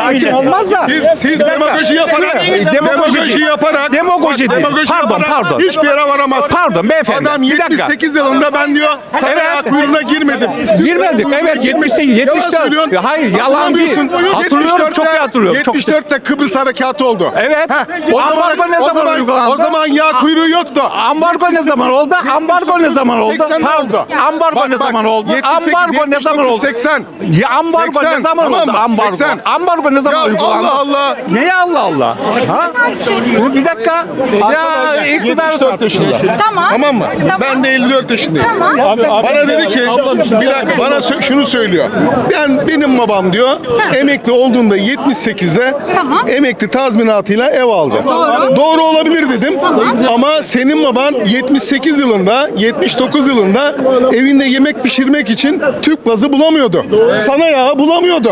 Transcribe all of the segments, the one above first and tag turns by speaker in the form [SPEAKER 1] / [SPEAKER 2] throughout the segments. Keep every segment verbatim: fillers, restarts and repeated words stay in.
[SPEAKER 1] hakim olmaz da.
[SPEAKER 2] Siz, siz demagoji yaparak, demagoji yaparak,
[SPEAKER 1] Demagoji değil.
[SPEAKER 2] demagoji
[SPEAKER 1] Pardon,
[SPEAKER 2] yaparak
[SPEAKER 1] pardon.
[SPEAKER 2] hiçbir yere varamazsın.
[SPEAKER 1] Pardon beyefendi.
[SPEAKER 2] Adam
[SPEAKER 1] Bir dakika.
[SPEAKER 2] yetmiş sekiz yılında ben diyor saraya
[SPEAKER 1] Evet.
[SPEAKER 2] kuyruğuna girmedim.
[SPEAKER 1] Girmedik. Evet yetmiş sekiz, yetmiş dört. Hayır yalan değil. Hatırlıyorum, çok iyi hatırlıyorum. Çok-
[SPEAKER 2] yetmiş dörtte Kıbrıs harekatı oldu.
[SPEAKER 1] Evet.
[SPEAKER 2] O zaman,
[SPEAKER 1] Ambargo ne
[SPEAKER 2] o
[SPEAKER 1] zaman
[SPEAKER 2] zaman,
[SPEAKER 1] uygulandı?
[SPEAKER 2] o zaman yağ kuyruğu yoktu.
[SPEAKER 1] Ambargo ne zaman oldu? Ambargo ne zaman oldu?
[SPEAKER 2] seksende oldu.
[SPEAKER 1] Ambargo
[SPEAKER 2] Bak,
[SPEAKER 1] ne
[SPEAKER 2] bak,
[SPEAKER 1] zaman oldu?
[SPEAKER 2] yetmiş sekiz,
[SPEAKER 1] Ambargo ne zaman oldu?
[SPEAKER 2] seksen.
[SPEAKER 1] Ya ambargo ne
[SPEAKER 2] seksen,
[SPEAKER 1] zaman
[SPEAKER 2] tamam
[SPEAKER 1] oldu?
[SPEAKER 2] mı?
[SPEAKER 1] Ambargo.
[SPEAKER 2] seksen.
[SPEAKER 1] Ambargo ne zaman
[SPEAKER 2] Ya
[SPEAKER 1] uygulandı?
[SPEAKER 2] Allah Allah.
[SPEAKER 1] Neye Allah Allah? Ha? Bir dakika. Ya iktidar
[SPEAKER 2] yetmiş dört yaşında.
[SPEAKER 3] Tamam.
[SPEAKER 2] Tamam mı?
[SPEAKER 3] Tamam.
[SPEAKER 2] Ben de elli dört yaşındayım.
[SPEAKER 3] Tamam.
[SPEAKER 2] Bana dedi ki bir dakika bana sö- şunu söylüyor. Ben benim babam diyor emekli olduğunda yetmiş sekizde
[SPEAKER 3] Tamam.
[SPEAKER 2] emekli tazminatıyla ev aldı.
[SPEAKER 3] Doğru.
[SPEAKER 2] Doğru olabilir dedim. Ama senin baban yetmiş sekiz yılında yetmiş dokuz yılında evinde yemek pişirmek için tüp gazı bulamıyordu. Sana yağı bulamıyordu.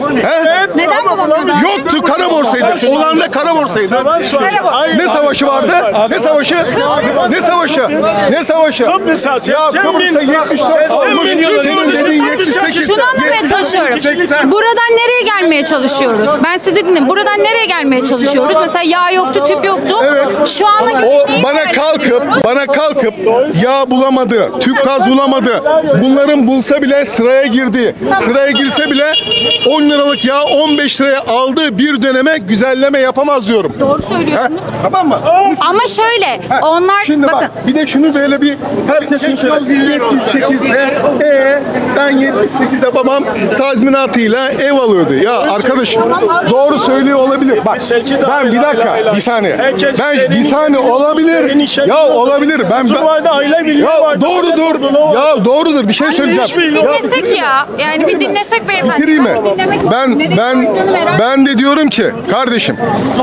[SPEAKER 2] He?
[SPEAKER 3] Neden bulamıyordu?
[SPEAKER 2] Yoktu, kara borsaydı. Olan da kara borsaydı.
[SPEAKER 3] Merhaba.
[SPEAKER 2] Ne savaşı vardı? Ne savaşı? Ne savaşı? Ne savaşı? Ya Kıbrıs'ta yetmiş dört almış, senin dediğin yetmiş sekiz.
[SPEAKER 3] Şunu anlamaya çalışıyorum.
[SPEAKER 2] seksen.
[SPEAKER 3] Buradan nereye gelmeye çalışıyoruz? Ben size dinledim. Buradan nereye gelmeye çalışıyoruz? Mesela yağ yoktu, tüp yoktu. Şu ana göre
[SPEAKER 2] O
[SPEAKER 3] neyi
[SPEAKER 2] bana
[SPEAKER 3] tercih
[SPEAKER 2] kalkıp,
[SPEAKER 3] ediyoruz?
[SPEAKER 2] bana kalkıp yağ bulamadı, tüp gaz bulamadı. Bunların bulsa bile sıraya girdi. Sıraya girse bile on liralık yağ on beş liraya aldığı bir döneme güzelleme yapamaz diyorum.
[SPEAKER 3] Doğru söylüyorsunuz.
[SPEAKER 2] Tamam mı?
[SPEAKER 3] Ama şöyle, onlar
[SPEAKER 2] Şimdi
[SPEAKER 3] bakın.
[SPEAKER 2] bak bir de şunu böyle bir herkesin şöyle yetmiş sekizde e ben yetmiş sekizde babam tazminatıyla ev alıyordu. Ya arkadaşım doğru söylüyor olabilir. Bak ben bir dakika bir saniye. Ben bir saniye olabilir. Ya olabilir. Ben, ben ya doğrudur. Ya doğrudur bir şey söyleyeceğim.
[SPEAKER 3] Dinlesek ya. Yani bir dinlesek beyefendi.
[SPEAKER 2] Bitireyim mi?
[SPEAKER 3] bir dinlemek
[SPEAKER 2] Ben
[SPEAKER 3] Nereye
[SPEAKER 2] ben
[SPEAKER 3] gittiğini merak
[SPEAKER 2] ben de diyorum ki kardeşim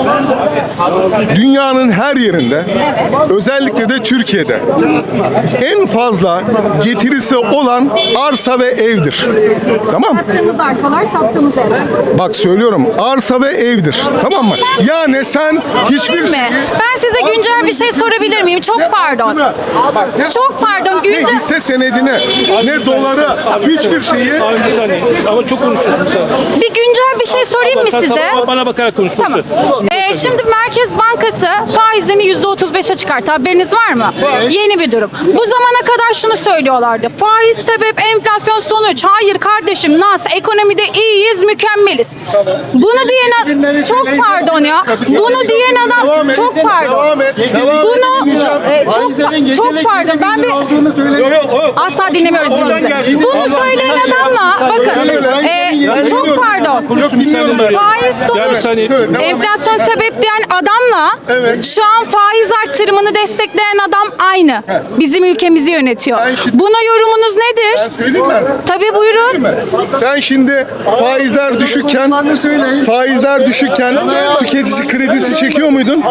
[SPEAKER 2] dünyanın her yerinde özellikle de Türkiye'de en fazla getirisi olan arsa ve evdir. Tamam mı?
[SPEAKER 3] Sattığımız arsalar, sattığımız evler.
[SPEAKER 2] Bak söylüyorum arsa ve evdir. Tamam mı? Yani sen hiçbir
[SPEAKER 3] Değil mi? Ben size güncel bir şey sorabilir miyim? Çok pardon.
[SPEAKER 2] Bak, ne-
[SPEAKER 3] Çok pardon.
[SPEAKER 2] ne
[SPEAKER 3] Güncel...
[SPEAKER 2] hisse senedini, ne doları, hiçbir şeyi
[SPEAKER 4] Abi bir saniye. Ama çok konuşuyorsun sen.
[SPEAKER 3] Bir güncel bir şey sorayım mı
[SPEAKER 4] Sen
[SPEAKER 3] size?
[SPEAKER 4] sabah bana bakarak konuş.
[SPEAKER 3] Tamam. Ee, şimdi Merkez Bankası faizini yüzde otuz beşe çıkarttı. Haberiniz var mı? Yeni bir durum. Bu zamana kadar şunu söylüyorlardı. Faiz sebep, enflasyon sonuç. Hayır kardeşim, nas, ekonomide iyiyiz, mükemmeliz. Bunu diyen adam, çok pardon ya. Bunu diyen
[SPEAKER 2] Devam
[SPEAKER 3] adam,
[SPEAKER 2] et,
[SPEAKER 3] çok pardon.
[SPEAKER 2] devam et, devam et,
[SPEAKER 3] Bunu,
[SPEAKER 2] dinleyeceğim.
[SPEAKER 3] e, çok, pa- çok pardon. Ben bir asla dinlemiyoruz
[SPEAKER 2] Oradan
[SPEAKER 3] birbirimizi.
[SPEAKER 2] gelsin.
[SPEAKER 3] Bunu söyleyen adamla, bakın, e, çok pardon.
[SPEAKER 2] Yok dinliyorum ben.
[SPEAKER 3] Faiz
[SPEAKER 4] Ya bir
[SPEAKER 3] sonuç.
[SPEAKER 4] saniye.
[SPEAKER 2] Söyle, devam et.
[SPEAKER 3] Enflasyon sebep diyen adamla
[SPEAKER 2] Evet.
[SPEAKER 3] şu an faiz artırımını destekleyen adam aynı. Bizim ülkemizi yönetiyor.
[SPEAKER 2] Ben şimdi-
[SPEAKER 3] Buna yorumunuz nedir?
[SPEAKER 2] Ben söyleyeyim mi?
[SPEAKER 3] Tabii buyurun.
[SPEAKER 2] Sen şimdi faizler düşükken, faizler düşükken tüketici kredisi çekiyor muydun?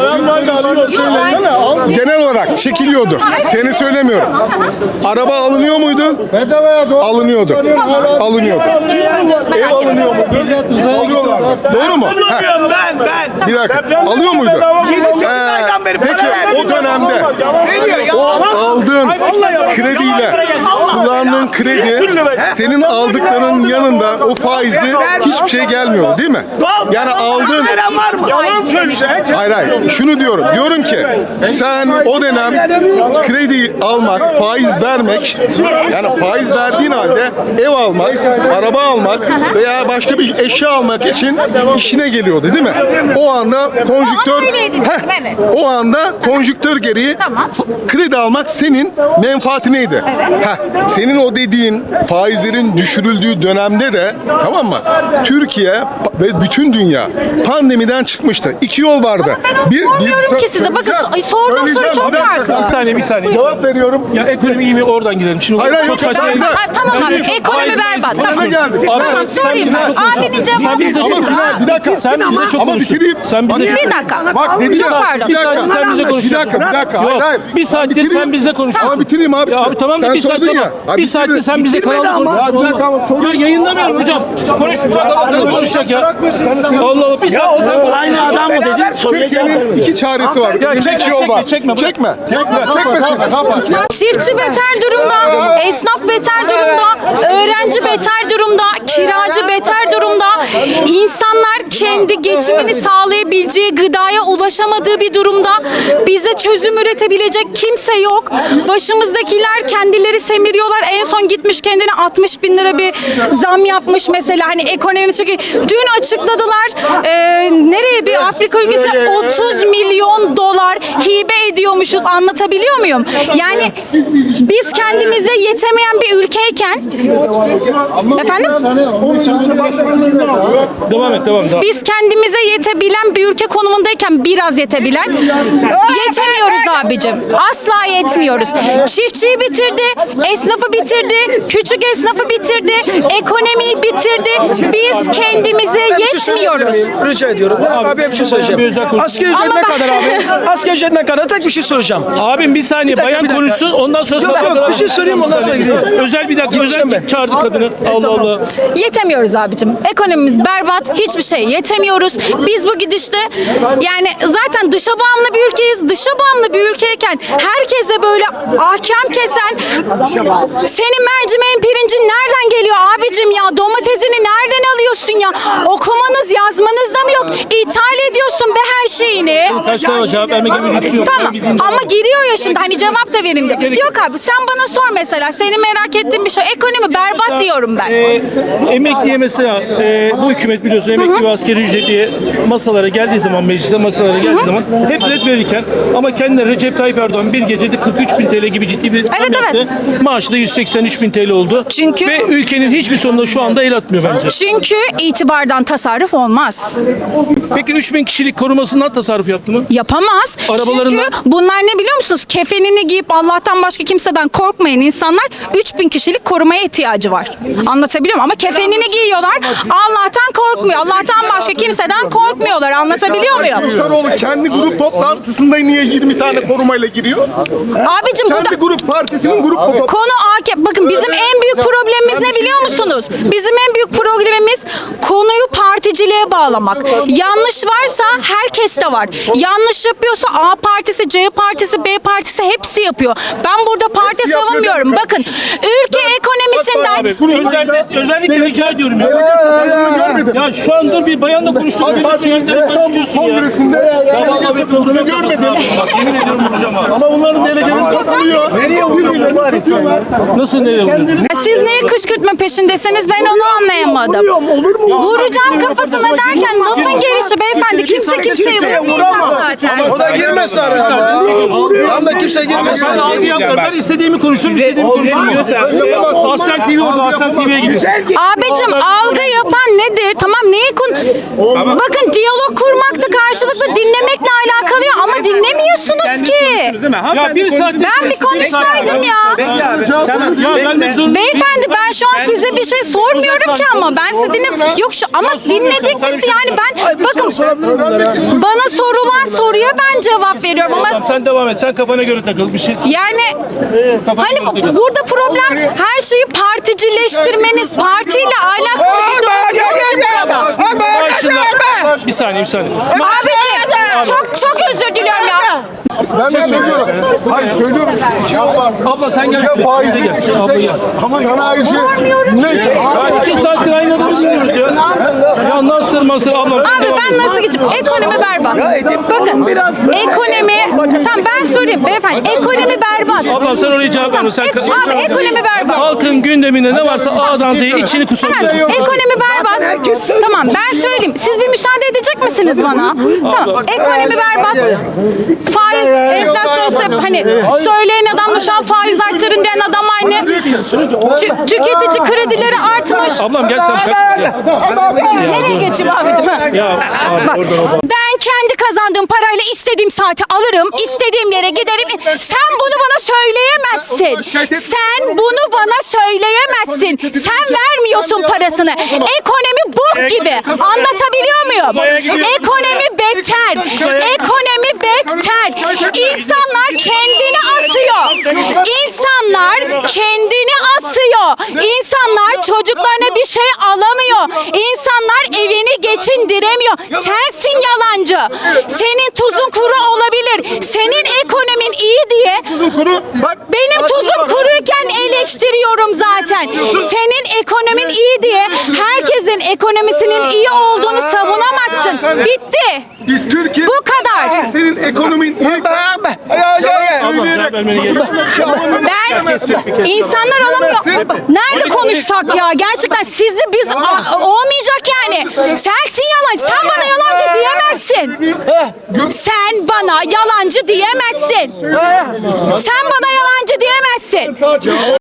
[SPEAKER 2] Genel olarak çekiliyordu. Seni söylemiyorum. Araba alınıyor muydu? Alınıyordu. Alınıyordu. Ev alınıyor muydu? Alıyorlar. Doğru mu? Heh.
[SPEAKER 5] Ben ben.
[SPEAKER 2] Bir dakika. Alıyor muydu?
[SPEAKER 5] sekiz
[SPEAKER 2] Ee,
[SPEAKER 5] aydan beri
[SPEAKER 2] peki
[SPEAKER 5] para
[SPEAKER 2] o dönemde
[SPEAKER 5] Ne diyor ya?
[SPEAKER 2] o aldığın krediyle kullandığın kredi senin aldıklarının yanında o faizli hiçbir şey gelmiyor değil mi? Yani aldığın
[SPEAKER 5] Veren var mı?
[SPEAKER 4] Yalan söylüyorsun.
[SPEAKER 2] hayır hayır şunu diyorum diyorum ki sen o dönem kredi almak faiz vermek yani faiz verdiğin halde ev almak araba almak veya başka bir eşya almak için işine geliyordu değil mi? O anda konjüktör
[SPEAKER 3] Ama öyleydi dedim,
[SPEAKER 2] Heh,
[SPEAKER 3] evet.
[SPEAKER 2] o anda konjüktör gereği
[SPEAKER 3] Tamam.
[SPEAKER 2] f- kredi almak senin menfaatineydi. Heh, senin o dediğin faizlerin düşürüldüğü dönemde de tamam mı? Türkiye ve bütün dünya pandemiden çıkmıştı. İki yol vardı.
[SPEAKER 3] Ben onu sormuyorum ki size. Bakın,
[SPEAKER 2] söyleyeceğim.
[SPEAKER 3] sorduğum soru
[SPEAKER 2] Söyleyeceğim.
[SPEAKER 3] çok
[SPEAKER 2] Bir dakika,
[SPEAKER 3] farklı.
[SPEAKER 4] Bir saniye bir saniye.
[SPEAKER 2] Cevap veriyorum.
[SPEAKER 4] Ya ekonomi iyi mi oradan girelim. Şimdi
[SPEAKER 2] Hayır, hayır,
[SPEAKER 4] çok
[SPEAKER 2] yok,
[SPEAKER 4] saçma.
[SPEAKER 2] ben-
[SPEAKER 3] Ha, tamam abi.
[SPEAKER 4] Bence çok
[SPEAKER 3] Ekonomi
[SPEAKER 4] faiz, faiz
[SPEAKER 3] berbat.
[SPEAKER 4] konuşma.
[SPEAKER 2] Başa geldik.
[SPEAKER 4] Abi
[SPEAKER 3] Tamam,
[SPEAKER 4] sen- sen
[SPEAKER 3] sorayım
[SPEAKER 4] bize
[SPEAKER 3] ben.
[SPEAKER 4] çok konuştun.
[SPEAKER 3] Abinin
[SPEAKER 4] Sen
[SPEAKER 3] cevabı-
[SPEAKER 4] bize
[SPEAKER 2] Ama
[SPEAKER 4] çok
[SPEAKER 2] bir dakika, bir dakika.
[SPEAKER 4] Sen bize çok
[SPEAKER 2] Ama
[SPEAKER 4] konuştun.
[SPEAKER 2] bitireyim.
[SPEAKER 4] Sen bize
[SPEAKER 2] Bak,
[SPEAKER 3] Bir dakika.
[SPEAKER 2] Bak ne diyeceğim?
[SPEAKER 3] Çok pardon.
[SPEAKER 2] Bir
[SPEAKER 4] Bir saniye
[SPEAKER 2] dakika.
[SPEAKER 4] sen bize
[SPEAKER 2] Bir
[SPEAKER 4] konuşuyorsun.
[SPEAKER 2] dakika, bir dakika. Hayır,
[SPEAKER 4] Yok,
[SPEAKER 2] hayır.
[SPEAKER 4] bir saattir
[SPEAKER 2] Bitireyim.
[SPEAKER 4] sen bize konuşuyorsun.
[SPEAKER 2] Ama bitireyim abi.
[SPEAKER 4] Ya abi tamam da
[SPEAKER 2] Sen
[SPEAKER 4] bir saat
[SPEAKER 2] sordun
[SPEAKER 4] tamam.
[SPEAKER 2] ya. Abi
[SPEAKER 4] Bir
[SPEAKER 2] bitirdim.
[SPEAKER 4] saatte sen bize
[SPEAKER 5] Bitirmedi
[SPEAKER 4] kanalda
[SPEAKER 5] ama.
[SPEAKER 4] konuşuyorsun.
[SPEAKER 2] Ya bir dakika ama sorun-
[SPEAKER 4] Ya yayınlamıyorum hocam. Konuşmayacak adam konuşacak ya. Allah Allah bir saatte sen konuş.
[SPEAKER 5] Aynı adam mı dedin? Soruya cevap
[SPEAKER 2] Türkiye'nin
[SPEAKER 5] vermedi.
[SPEAKER 2] iki çaresi var.
[SPEAKER 4] Ya
[SPEAKER 2] İki
[SPEAKER 4] çekme,
[SPEAKER 2] yol var.
[SPEAKER 4] çekme, çekme, bırak.
[SPEAKER 2] Çekme. Çekmesin. Kapat.
[SPEAKER 3] Çiftçi beter durumda, esnaf beter durumda, öğrenci beter durumda, kira acı beter durumda. İnsanlar kendi geçimini sağlayabileceği gıdaya ulaşamadığı bir durumda. Bize çözüm üretebilecek kimse yok. Başımızdakiler kendileri semiriyorlar. En son gitmiş kendine altmış bin lira bir zam yapmış mesela. Hani ekonomimiz çünkü dün açıkladılar. E, nereye bir Afrika ülkesine otuz milyon dolar hibe ediyormuşuz. Anlatabiliyor muyum? Yani biz kendimize yetemeyen bir ülkeyken efendim?
[SPEAKER 4] Devam et, devam et.
[SPEAKER 3] Biz kendimize yetebilen bir ülke konumundayken biraz yetebilen yetemiyoruz abicim. Asla yetmiyoruz. Çiftçiyi bitirdi, esnafı bitirdi, küçük esnafı bitirdi, ekonomiyi bitirdi. Biz kendimize yetmiyoruz.
[SPEAKER 5] Rica ediyorum. Abi, abi bir şey söyleyeceğim. Asgari ücret
[SPEAKER 3] Ama
[SPEAKER 5] ne
[SPEAKER 3] bak-
[SPEAKER 5] kadar abi? Asgari ücret ne kadar? Tek bir şey soracağım.
[SPEAKER 4] Abim bir saniye,
[SPEAKER 5] dakika,
[SPEAKER 4] bayan
[SPEAKER 5] bir dakika.
[SPEAKER 4] konuşsun, ondan sonra
[SPEAKER 5] Yok,
[SPEAKER 4] sabaha
[SPEAKER 5] yok, bir şey söyleyeyim, ondan sonra gideyim.
[SPEAKER 4] Özel bir dakika,
[SPEAKER 5] Gideceğim
[SPEAKER 4] özel
[SPEAKER 5] ben.
[SPEAKER 4] çağırdı kadını. Allah Allah.
[SPEAKER 3] Yetemiyoruz abicim. Ekonomimiz berbat. Hiçbir şey yetemiyoruz. Biz bu gidişte yani zaten dışa bağımlı bir ülkeyiz. Dışa bağımlı bir ülkeyken herkese böyle ahkam kesen senin mercimeğin pirincin nereden geliyor abicim ya? Domatesini nereden alıyorsun ya? Okumanız yazmanız da mı yok? İthal ediyorsun be her şeyini.
[SPEAKER 4] Kaç tane cevap vermek gibi bir lüksü yok.
[SPEAKER 3] Tamam ama giriyor ya şimdi hani cevap da vereyim diyor. Yok abi sen bana sor mesela. Seni merak ettiğim bir şey. Ekonomi berbat diyorum ben.
[SPEAKER 4] Ee, emekliye mesela e, bu hükümet biliyorsun emekli ve askeri ücretliye masalara geldiği zaman, meclise masalara geldiği zaman hep ret verirken ama kendileri Recep Tayyip Erdoğan bir gecede kırk üç bin T L gibi ciddi bir zam
[SPEAKER 3] Evet,
[SPEAKER 4] yaptı.
[SPEAKER 3] evet.
[SPEAKER 4] Maaşı da yüz seksen üç bin T L oldu.
[SPEAKER 3] Çünkü-
[SPEAKER 4] Ve ülkenin hiçbir sonunda şu anda el atmıyor bence.
[SPEAKER 3] Çünkü itibardan tasarruf olmaz.
[SPEAKER 4] Peki üç bin kişilik korumasından tasarruf yaptı mı?
[SPEAKER 3] Yapamaz.
[SPEAKER 4] Arabalarından-
[SPEAKER 3] Çünkü bunlar ne biliyor musunuz? Kefenini giyip Allah'tan başka kimseden korkmayan insanlar üç bin kişilik korumaya ihtiyacı var. Anlatabiliyor muyum? Ama kefenini giyiyorlar. Allah'tan korkmuyor. Allah'tan başka kimseden korkmuyorlar. Anlatabiliyor muyum?
[SPEAKER 2] Kılıçdaroğlu kendi grup toplantısında niye yirmi tane korumayla giriyor?
[SPEAKER 3] Abicim burada
[SPEAKER 2] Kendi grup partisinin grup toplantısında.
[SPEAKER 3] konu A K P. Bakın bizim en büyük problemimiz ne biliyor musunuz? Bizim en büyük problemimiz konuyu particiliğe bağlamak. Yanlış varsa herkes de var. Yanlış yapıyorsa A partisi, C partisi, B partisi hepsi yapıyor. Ben burada parti
[SPEAKER 2] Hepsi yapıyor
[SPEAKER 3] savunmuyorum.
[SPEAKER 2] değil mi?
[SPEAKER 3] Bakın ülke ekonomisinden
[SPEAKER 4] Abi, özellikle, özellikle rica ediyorum ya.
[SPEAKER 2] Görmedim.
[SPEAKER 4] Ya şu an dur bir bayanla konuştuk.
[SPEAKER 2] AK Parti'nin İstanbul Kongresi'nde delege satıldığını görmedim.
[SPEAKER 4] Bak yemin ediyorum vuracağım abi.
[SPEAKER 2] Ama bunların delegeleri satılıyor. Nereye vuruyorlar?
[SPEAKER 4] Nasıl nereye vuruyorsun?
[SPEAKER 3] siz neye kışkırtma peşindesiniz ben onu anlayamadım.
[SPEAKER 5] Olur mu?
[SPEAKER 3] Vuracağım kafasına derken lafın gelişi beyefendi kimse kimseye vurmuyor zaten.
[SPEAKER 5] O da girmez araya. Tam da kimse girmez.
[SPEAKER 4] Ben algı yapmıyorum. Ben istediğimi konuşurum, istediğimi konuşurum. Aslen T V oldu, Aslen T V'ye gidiyorsun.
[SPEAKER 3] Abicim algı yapan nedir? Tamam neyi konu... Bakın diyalog kurmakta karşılıklı dinlemekle alakalı ya ama dinlemiyorsunuz ki.
[SPEAKER 4] Ya bir saat...
[SPEAKER 3] Ben bir konuşsaydım ya.
[SPEAKER 4] Ya ben de zorunda...
[SPEAKER 3] Beyefendi ben şu an size bir şey sormuyorum ki ama ben sizi dinle... Yok şu ama dinledik bitti yani ben... Bakın bana sorulan soruya ben cevap veriyorum ama...
[SPEAKER 4] Tamam, sen devam et. Sen kafana göre takıl. Bir şey...
[SPEAKER 3] Yani hani burada problem her şeyi particileştirmeniz, partiyle alakalı bir durum yok ki burada.
[SPEAKER 4] Başında... Bir saniye, bir saniye.
[SPEAKER 3] Abi çok çok özür diliyorum ya.
[SPEAKER 2] Ben de söylüyorum. Hayır söylüyorum. Ya var.
[SPEAKER 4] Abla sen gel.
[SPEAKER 2] Ya faizi
[SPEAKER 4] Bize gel. Abla gel.
[SPEAKER 2] sanayici. Neyse.
[SPEAKER 4] Ya iki saattir aynı adamı dinliyoruz ya. Ya nasıl nasıl ablam?
[SPEAKER 3] Abi ben nasıl geçeyim? Ekonomi berbat. Bakın ekonomi... Tamam ben söyleyeyim beyefendi. Ekonomi berbat.
[SPEAKER 4] Ablam sen oraya cevap verme. Sen...
[SPEAKER 3] Ek- abi ekonomi berbat.
[SPEAKER 4] Halkın gündeminde ne varsa A'dan Z'ye içini
[SPEAKER 3] Hemen
[SPEAKER 4] kusabilirsin.
[SPEAKER 3] ekonomi berbat. Tamam ben söyleyeyim. Siz bir müsaade edecek misiniz bana? Tamam ekonomi berbat. Faiz, enflasyon sebep hani söyleyen adamla şu an faiz arttırın diyen adam aynı. Tü- tüketici kredileri artmış.
[SPEAKER 4] Ablam gel sen kaç. Gel.
[SPEAKER 3] Nereye geçeyim abicim? Ha?
[SPEAKER 4] Ya abi
[SPEAKER 3] Bak,
[SPEAKER 4] oradan oradan.
[SPEAKER 3] ben kendi kazandığım parayla istediğim saati alırım, istediğim yere giderim. Sen bunu bana söyleyemezsin. Sen bunu bana söyleyemezsin. Sen vermiyorsun parasını. Ekonomi bok gibi. Anlatabiliyor muyum? Ekonomi beter. Ekonomi beter. İnsanlar kendini asıyor. İnsanlar kendini asıyor. İnsanlar çocuklarına bir şey alamıyor. İnsanlar evini geçindiremiyor. Sensin yalancı. Senin tuzun kuru olabilir. Senin ekonomin iyi diye
[SPEAKER 2] Tuzun kuru. Bak.
[SPEAKER 3] benim tuzum kuruyken eleştiriyorum zaten. Senin ekonomin iyi diye herkesin ekonomisinin iyi olduğunu savunamazsın. Bitti.
[SPEAKER 2] Biz Türkiye.
[SPEAKER 3] Bu kadar.
[SPEAKER 2] Senin ekonomin iyi.
[SPEAKER 4] Cevap vermene gerek yok.
[SPEAKER 3] Ben insanlar alamıyor. Nerede konuşsak ya? Gerçekten sizi biz a- olmayacak yani. Sensin yalancı. Sen bana yalancı diyemezsin. Sen bana yalancı diyemezsin. Sen bana yalancı diyemezsin.